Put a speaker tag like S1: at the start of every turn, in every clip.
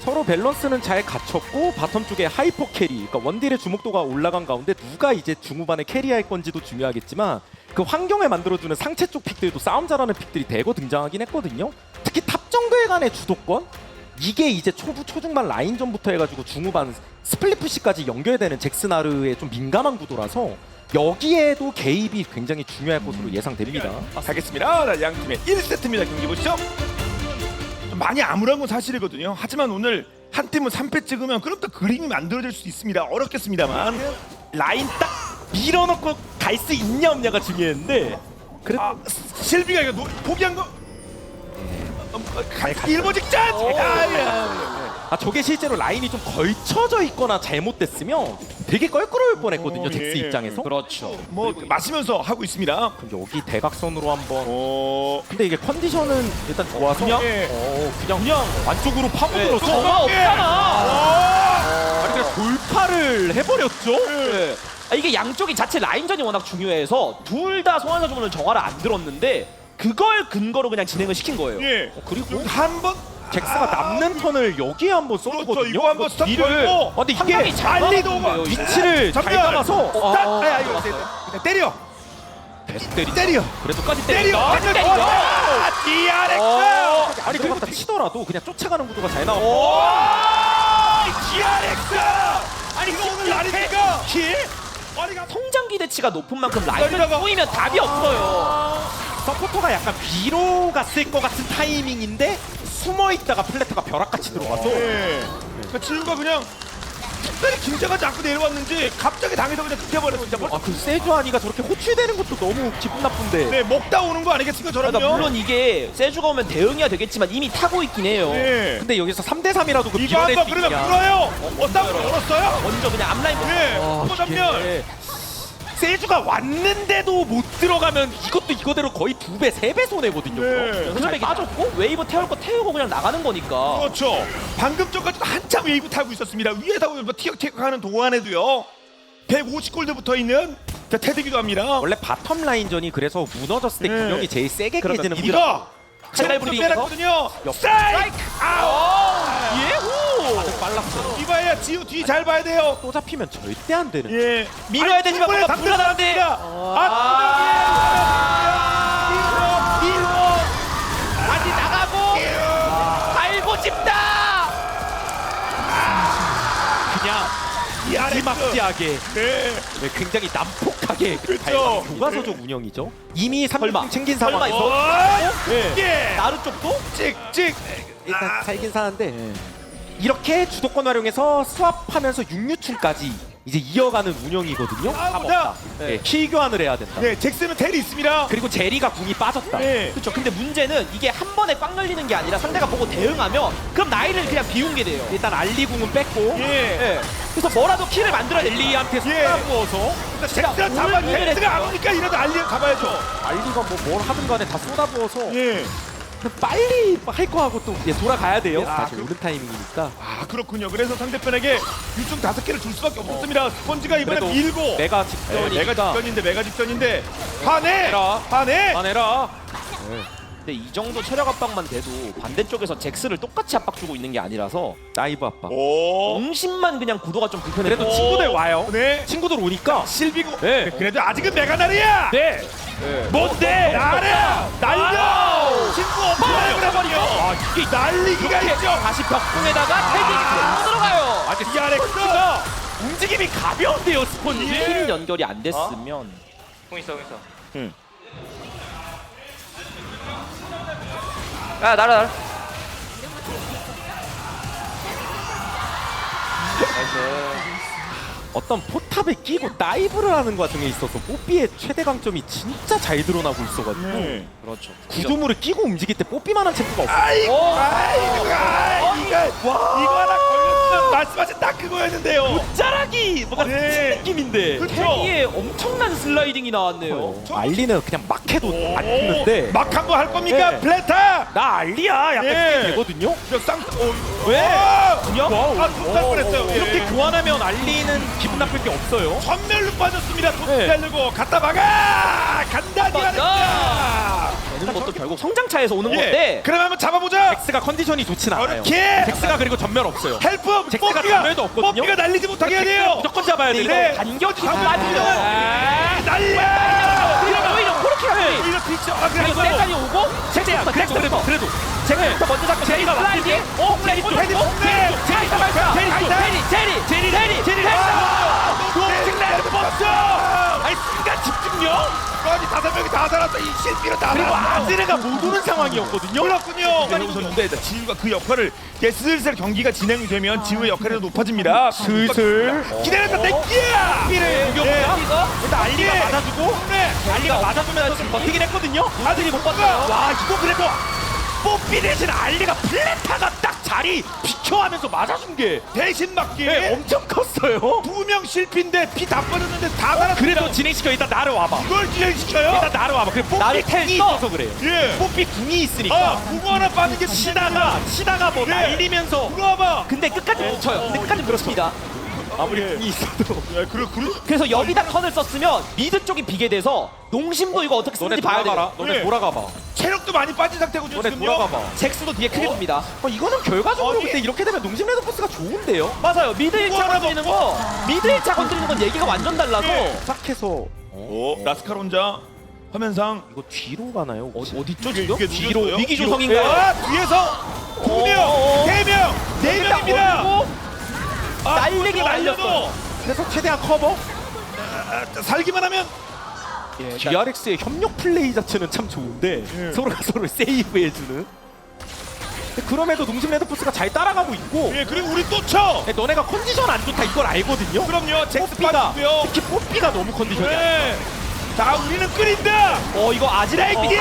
S1: 서로 밸런스는 잘 갖췄고 바텀 쪽에 하이퍼 캐리, 그러니까 원딜의 주목도가 올라간 가운데 누가 이제 중후반에 캐리할 건지도 중요하겠지만 그 환경을 만들어주는 상체 쪽 픽들도 싸움 잘하는 픽들이 대거 등장하긴 했거든요. 특히 탑 정글 간의 주도권, 이게 이제 초부 초중반 라인전부터 해가지고 중후반 스플릿 푸시까지 연결되는 잭스나르의 좀 민감한 구도라서 여기에도 개입이 굉장히 중요할 것으로 예상됩니다.
S2: 가겠습니다. 자, 양 팀의 1세트입니다. 경기 보시죠. 좀 많이 암울한 건 사실이거든요. 하지만 오늘 한 팀은 3패 찍으면 그럼 또 그림이 만들어질 수 있습니다. 어렵겠습니다만
S1: 라인 딱 밀어넣고 갈 수 있냐 없냐가 중요했는데
S2: 실비가 이거 포기한 거 일보 직전!
S1: 저게 실제로 라인이 좀 걸쳐져 있거나 잘못됐으면 되게 껄끄러울 뻔했거든요. 잭스
S2: 예.
S1: 입장에서.
S3: 그렇죠.
S2: 뭐 마시면서 하고 있습니다.
S1: 그럼 여기 대각선으로 한번.
S2: 오.
S1: 근데 이게 컨디션은 일단 좋아서
S2: 그냥?
S1: 그냥 안쪽으로 파고들어서
S3: 정화 없잖아.
S1: 아니 그냥 돌파를 해버렸죠.
S3: 네. 이게 양쪽이 자체 라인전이 워낙 중요해서 둘 다 소환사 주문은 정화를 안 들었는데 그걸 근거로 그냥 진행을 시킨 거예요.
S2: 예.
S1: 그리고
S2: 한번
S1: 잭스가 남는 턴을 여기에 한번
S2: 그렇죠.
S1: 쏘거든요.
S2: 이거 한번 스톱 걸고
S1: 근데
S3: 상당히
S1: 이게
S3: 잘
S2: 빨리도
S3: 막았는데요,
S2: 오고
S3: 이거.
S1: 위치를 잘
S2: 전멸!
S1: 잡아서
S2: 이거 그냥 때려.
S1: 계속 때리.
S2: 때려.
S1: 그래도까지
S2: 때려.
S1: 때린다.
S2: 완전
S3: 때리죠.
S2: 좋아. DRX.
S1: 아니 그거 갖다 치더라도 그냥 쫓아가는 구도가 잘 나왔고.
S2: 오! DRX. 아니 이거 오늘 아닙니까? 킬? 아니가
S3: 성장 기대치가 높은 만큼 라인전이
S2: 여기다가-
S3: 꼬이면 답이 없어요.
S1: 서포터가 약간 위로 갔을 것 같은 타이밍인데 숨어 있다가 플래터가 벼락같이 들어가서
S2: 예. 그러니까 지우가 그냥 특별히 긴장하지 않고 내려왔는지 갑자기 당해서 그냥 끝내버렸어. 진짜.
S1: 그 세주아니가 저렇게 호출되는 것도 너무 기분 나쁜데.
S2: 네, 먹다 오는 거 아니겠습니까,
S3: 그러니까
S2: 저럼요?
S3: 물론 이게 세주가 오면 대응이야 되겠지만 이미 타고 있긴 해요.
S2: 네.
S1: 근데 여기서 3대3이라도 그
S2: 이거
S1: 밀어낼
S2: 한번
S1: 수
S2: 그러면
S1: 있냐.
S2: 풀어요. 싸움 걸었어요?
S3: 먼저 그냥 앞라인
S2: 네.
S1: 아,
S2: 또 전면.
S1: 이게 세주가 왔는데도 못 들어가면 이것도 이거대로 거의 2배, 3배 손해거든요.
S2: 네.
S3: 그러면 빠졌고 웨이브 태울 거 태우고 그냥 나가는 거니까.
S2: 그렇죠. 방금 전까지도 한참 웨이브 타고 있었습니다. 위에서 뭐 티격태격 하는 동안에도요. 150골드 붙어 있는 테드기도 합니다.
S1: 원래 바텀 라인전이 그래서 무너졌을 때
S2: 네.
S1: 균형이 제일 세게 깨지는
S2: 이거
S3: 칼날
S2: 점프
S3: 부리면서?
S2: 빼놨거든요. 스트라이크! 아우!
S3: 예후!
S1: 빨랐어요.
S2: 이봐야 지우 뒤 잘 봐야 돼요.
S1: 또 잡히면 절대 안 되는.
S2: 예.
S3: 밀어야 되지만 뭔가 불안한데. 다시 나가고 달고 집다.
S1: 그냥 마지막지하게
S2: 네.
S1: 굉장히 난폭하게
S2: 그렇죠.
S1: 교과서적 운영이죠. 이미
S3: 설마.
S1: 3점 챙긴
S3: 설마
S1: 상황에서
S2: 예.
S3: 나루 쪽도?
S2: 찍찍.
S1: 일단 살긴 사는데 이렇게 주도권 활용해서 스왑하면서 6류충까지 이제 이어가는 운영이거든요.
S2: 보다.
S1: 네. 킬 교환을 해야 된다.
S2: 네, 잭슨은 텔이 있습니다.
S1: 그리고 제리가 궁이 빠졌다.
S2: 네.
S3: 그렇죠. 근데 문제는 이게 한 번에 꽉 열리는 게 아니라 상대가 보고 대응하면 그럼 나이를 그냥 비운 게 돼요.
S1: 일단 알리 궁은 뺐고
S2: 예.
S3: 그래서 뭐라도 킬을 만들어야 돼.
S1: 알리한테
S2: 예.
S1: 쏟아부어서
S2: 잭슨은 잡아.
S3: 오늘
S2: 잭슨가 안 오니까 이래도 알리를 잡아야죠.
S1: 알리가 뭐 뭘 하든 간에 다 쏟아부어서
S2: 예.
S1: 빨리 할 거 하고 또 이제 돌아가야 돼요.
S2: 아,
S1: 사실 오는 타이밍이니까.
S2: 아 그렇군요. 그래서 상대편에게 유충 5개를 줄 수밖에 없었습니다. 스펀지가 이번에
S1: 그래도
S2: 밀고.
S1: 메가
S2: 네,
S1: 직전이니까
S2: 메가 직전인데 화내.
S1: 해라.
S2: 화내.
S1: 안해라.
S3: 근데 이 정도 체력 압박만 돼도 반대쪽에서 잭스를 똑같이 압박 주고 있는 게 아니라서
S1: 나이브 압박.
S2: 오.
S3: 정신만 그냥 구도가 좀 불편해.
S1: 그래도 친구들 와요.
S2: 네.
S1: 친구들 오니까.
S2: 실비고.
S1: 네.
S2: 그래도 아직은 메가나르야.
S1: 네.
S2: 뭔데? 나르야. 날려. 친구 없어요. 그래버려.
S1: 아 이게
S2: 날리기가 있죠.
S3: 다시 벽궁에다가 태기 들어가요.
S1: 아직 DRX가 움직임이 가벼운데요 스폰지.
S3: 힐 연결이 안 됐으면
S4: 공 있어.
S3: 응.
S4: 야 날아.
S1: 어떤 포탑에 끼고 다이브를 하는 과정에 있어서 뽀삐의 최대 강점이 진짜 잘 드러나고 있어가지고
S3: 그렇죠.
S1: 구조물을 끼고 움직일 때 뽀삐만한 챔프가 없어요.
S2: 아이고. 이거 하나 걸렸으면 말씀하신 딱 그거였는데요.
S3: 짜라기 뭔가
S2: 네.
S3: 느낌인데
S2: 그렇죠.
S3: 태기에 엄청난 슬라이딩이 나왔네요.
S1: 알리는 그냥 막 해도 안 죽는데
S2: 막 한 거 할 겁니까?
S1: 네.
S2: 플레타.
S1: 나 알리야 약간
S2: 예.
S1: 이렇게 되거든요.
S2: 쌍.
S1: 왜?
S2: 그냥? 아, 손살 뻔했어요.
S1: 이렇게
S2: 예.
S1: 교환하면 알리는 기분 나쁠 게 없어요.
S2: 전멸로 빠졌습니다. 돈
S1: 네.
S2: 달리고 갖다 막아. 간다 디아렉스.
S3: 되는 것도 결국 성장차에서 오는
S2: 예.
S3: 건데
S2: 그럼 한번 잡아보자.
S1: 잭스가 컨디션이 좋진 않아요.
S2: 어렵게.
S1: 잭스가 그리고 전멸 없어요.
S2: 헬프.
S1: 잭스가 전멸도 없거든요.
S2: 뽀삐가 날리지 못하게 해야 돼요.
S1: 무조건 잡아야
S3: 근데
S1: 돼요.
S3: 이거 간격이
S2: 아,
S3: 빠지면
S2: 날려.
S3: 그러면 오히려 코르키가
S2: 이거 피쳐. 아
S3: 그리고
S2: 그래.
S3: 세간이 오고 잭스부터
S1: 그래도
S3: 잭스부터 먼저 잡고 제리가 슬라이드 플레이 쪽
S2: 헤디 폭네.
S3: 제리 잡았어 제리
S2: 버스.
S1: 아니 순간 집중력.
S2: 아니 5명이 다 살았어. 이 실비로 다
S1: 그리고
S2: 살았어.
S1: 아즈레가 못 오는 상황이었거든요.
S2: 그렇군요. 많이 웃었는데 지우가 그 역할을 이제 슬슬 경기가 진행이 되면 지우의 역할이 더 높아집니다.
S1: 슬슬
S2: 기다렸다 땡기야.
S1: 삐를 공격합니다.
S3: 이거
S1: 일단 알리가
S2: 예.
S1: 맞아주고
S2: 네.
S1: 알리가 맞아주면서 지금 버티긴 했거든요.
S2: 아들이 못 봤어요. 와 이거 그래도 뽀삐 대신 알리가 플랜타가 딱 자리 비켜하면서 맞아준 게 대신 맞기
S1: 엄청 컸어요.
S2: 2명 실패인데 피 다 빠졌는데 다 살았어.
S1: 그래도 진행시켜. 일단 나를 와봐.
S2: 이걸 진행시켜요?
S1: 일단 나를 와봐. 그래
S3: 나를
S1: 뽀삐 궁이
S3: 텔
S1: 있어서 그래요.
S2: 예.
S1: 뽀삐 궁이 있으니까.
S2: 아 궁 하나 빠진 게
S1: 치다가 뭐
S2: 예.
S1: 날리면서
S2: 들어와봐.
S3: 근데 끝까지 못 쳐요 근데 끝까지 그렇습니다
S1: 아무리 궁이 있어도
S2: 야 그래.
S3: 그래서 여기다 턴을 썼으면 미드 쪽이 비게 돼서 농심도 이거 어떻게
S1: 너네
S3: 쓰는지 봐야
S1: 돌아가라.
S3: 돼요
S1: 너네
S2: 예.
S1: 돌아가봐.
S2: 체력도 많이 빠진 상태고
S1: 너네
S2: 지금요.
S1: 돌아가봐.
S3: 잭스도 뒤에 크게 돕니다
S1: 이거는 결과적으로
S2: 어디?
S1: 볼 때 이렇게 되면 농심 레드포스가 좋은데요.
S3: 맞아요 미드 1차
S2: 하나
S3: 건드리는 거 미드 1차 건드리는 건 얘기가 완전 달라서
S2: 예.
S1: 시작해서
S2: 오 라스칼 혼자 화면상
S1: 이거 뒤로 가나요?
S3: 어디죠
S2: 이게
S3: 지금?
S2: 뒤로
S3: 위기 조성인가요?
S2: 아 뒤에서 2명 3명 4명입니다.
S3: 날리기 말렸어
S1: 그래서 최대한 커버.
S2: 살기만 하면
S1: DRX의 협력 플레이 자체는 참 좋은데
S2: 예.
S1: 서로가 서로를 세이브해주는. 근데 그럼에도 농심 레드포스가 잘 따라가고 있고.
S2: 예 그리고 우리 또 쳐.
S1: 너네가 컨디션 안 좋다 이걸 알거든요.
S2: 그럼요 잭스
S1: 뽀삐가
S2: 빠지고요.
S1: 특히 뽀삐가 너무 컨디션이 안 좋아.
S2: 네. 자 우리는 끓인다.
S3: 이거 아지라이비디야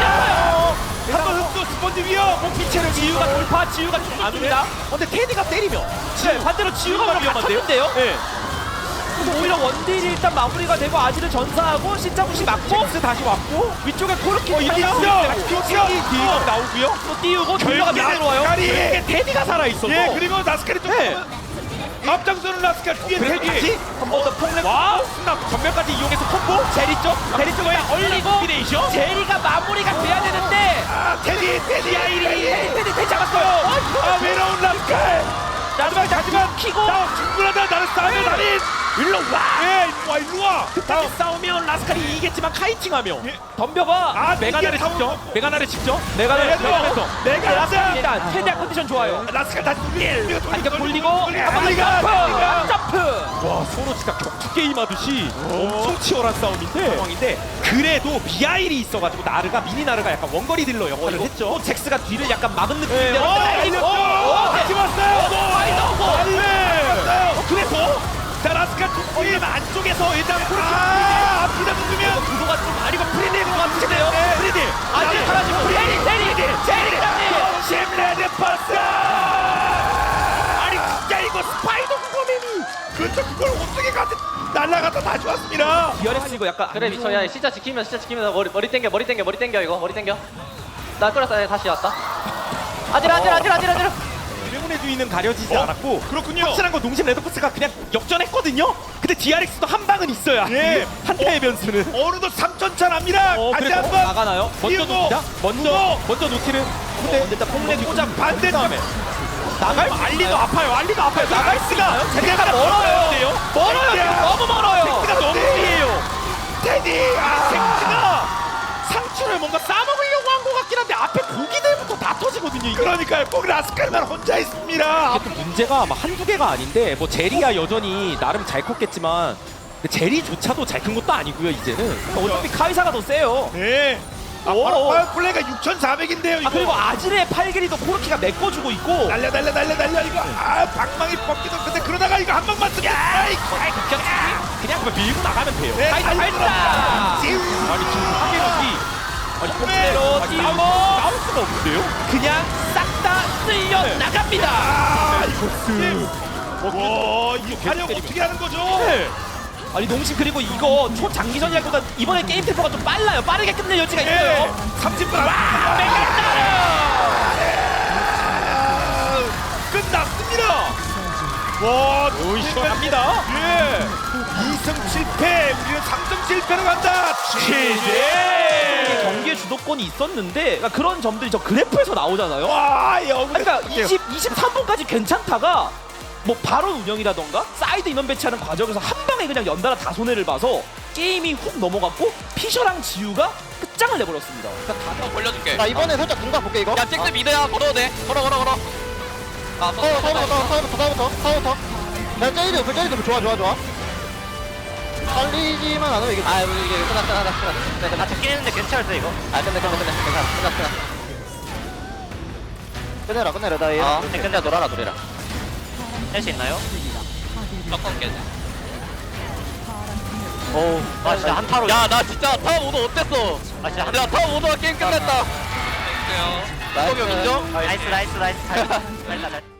S2: 한번 또 스펀지 위험.
S1: 뽀삐체를
S3: 지우가 돌파 지우가
S1: 안
S3: 툭툭입니다
S1: 근데 테디가 때리면
S3: 네, 반대로 지우가 그럼 갇혔는데요
S1: 네.
S3: 그래서 오히려 원딜이 일단 마무리가 되고 아지를 전사하고 신자부시 맞고
S1: 잭스 다시 왔고
S3: 위쪽에 코르키
S1: 뒤에 나오고요.
S3: 또 띄우고 딜러가 밑에 들어와요
S1: 이게 테디가 살아있어서
S2: 예 그리고 라스칼이 좀
S1: 네.
S2: 앞장서는 라스칼 뒤에
S1: 그래서
S2: 대기.
S1: 다시 한 번 더 폭leg 와 순간 전멸까지 이용해서 콤보 제리 쪽을 딱
S3: 올리고
S1: 콤비네이션.
S3: 제리가 마무리가 돼야 되는데
S2: 아 테디
S3: 테디 잡았어요
S2: 아 외로운 라스칼. 하지만
S3: 키고
S2: 나 충분하다. 나는 싸움의 달인.
S1: 일로 와.
S2: 예 일로 와.
S1: 다시 싸우면 라스칼이 이기겠지만 카이팅하며
S2: 예.
S3: 덤벼봐
S2: 아
S1: 메가나를
S2: 이게
S1: 직접 메가나를 직접
S3: 메가나를
S2: 내가 라스칼.
S3: 일단 최대한 컨디션 좋아요
S2: 라스칼 다시 돌리.
S3: 반격 돌리고 한번
S2: 알리가.
S3: 점프
S1: 와 서로 진짜 격투 게임 하듯이 엄청 치열한 상황인데 그래도 비아일이 있어가지고 나르가 미니 나르가 약간 원거리 딜러 역할을 했죠.
S3: 또 잭스가 뒤를 약간 막은 느낌인데
S2: 알렸죠. 같이 왔어요.
S1: 그래서
S2: 자 라스칼
S1: 얼른 안쪽에서 일단
S2: 앞이다 누르면
S3: 구도가 좀 아니고 프리딜인 것 같은데요
S2: 프리디.
S3: 아직 사라지고 제리
S2: 심레드 파스.
S1: 아니 진짜 이거 스파이더 구거맨이
S2: 그렇죠. 그걸 어떻게 가지? 날라갔다 다시 왔습니다.
S3: DRX 이거 약간
S4: 그래 미쳐 야 진짜 지키면서 머리 땡겨 이거 머리 땡겨 나 끌었어 다시 왔다 아지라
S1: 드래곤의 주인은 가려지지 않았고
S2: 그렇군요.
S1: 확실한 건 농심 레드포스가 그냥 역전했거든요. 근데 DRX도 한 방은 있어야
S2: 예.
S1: 한타의 변수는.
S2: 어느덧 3,000차 납니다. 다시
S1: 그래서
S2: 한번
S3: 나가나요?
S1: 먼저
S2: 띄우고,
S1: 놓습니다.
S2: 두고.
S1: 먼저 놓기는. 근데
S3: 일단 폭leg
S2: 꽂아 반대
S1: 다음에 나갈 알리도 아파요. 나갈 수가
S3: 제리가 멀어요 지금 너무 멀어요
S1: 가 너무 뒤에요.
S2: 테디.
S1: 잭스가 상추를 뭔가 싸먹으려고 한 것 같긴 한데 앞에 고기들부터 다 터지거든요. 이게.
S2: 그러니까요. 꼭 라스칼만 혼자 있습니다.
S1: 또 문제가 막 한두 개가 아닌데 뭐 제리야 여전히 나름 잘 컸겠지만 근데 제리조차도 잘 큰 것도 아니고요 이제는.
S3: 어차피 카이사가 더 세요
S2: 네. 바로 플레이가 6,400인데요. 이거.
S3: 그리고 아질의 팔길이도 코르키가 메꿔주고 있고
S2: 날려 이거. 방망이 뻗기도 근데 그러다가 이거 한 방만 쓰면
S1: 그냥 밀고 나가면 돼요.
S2: 네,
S3: 카이사
S2: 잘
S3: 발사
S1: 아니 지금 하계력이
S3: 그대로 띄우고
S1: 나올 수가 없는데요?
S3: 그냥 싹 다 쓸려 나갑니다
S2: 와, 이거 활용 어떻게 하는 거죠?
S1: 네.
S3: 아니 농심 그리고 이거 초장기전이라기보다 이번에 게임 템포가 좀 빨라요 빠르게 끝낼 여지가 있어요
S2: 30분 끝났습니다. 와,
S1: 시원합니다.
S2: 예. 2승 7패, 우리는 3승 7패로 간다. 치즈.
S3: 경기의 주도권이 있었는데 그러니까 그런 점들이 저 그래프에서 나오잖아요.
S2: 와, 영.
S3: 그러니까 23분까지 괜찮다가 뭐 바로 운영이라던가 사이드 인원 배치하는 과정에서 한 방에 그냥 연달아 다 손해를 봐서 게임이 훅 넘어갔고 피셔랑 지우가 끝장을 내버렸습니다.
S5: 한번 벌려줄게.
S6: 나 이번에 살짝 공각 볼게 이거.
S5: 야, 잭스 미드야. 걸어도 돼. 걸어. 아,
S6: 서부터. 야 쟤이들 좋아. 살리지만 않으면 이게.
S4: 아 이게 끝났다. 아 잡긴 했는데 괜찮았어 이거. 아 끝내. 괜찮아.
S6: 끝내라 나 얘.
S4: 끝내 놀아라 노래라. 할 수 있나요?
S5: 조금 깨.
S4: 아 진짜 한타로.
S5: 야, 나 진짜 타워 모드 어땠어?
S4: 아 진짜
S5: 야, 타워 모드가 게임 끝냈다.
S6: 나이스.
S5: 인정?
S4: 나이스. 잘.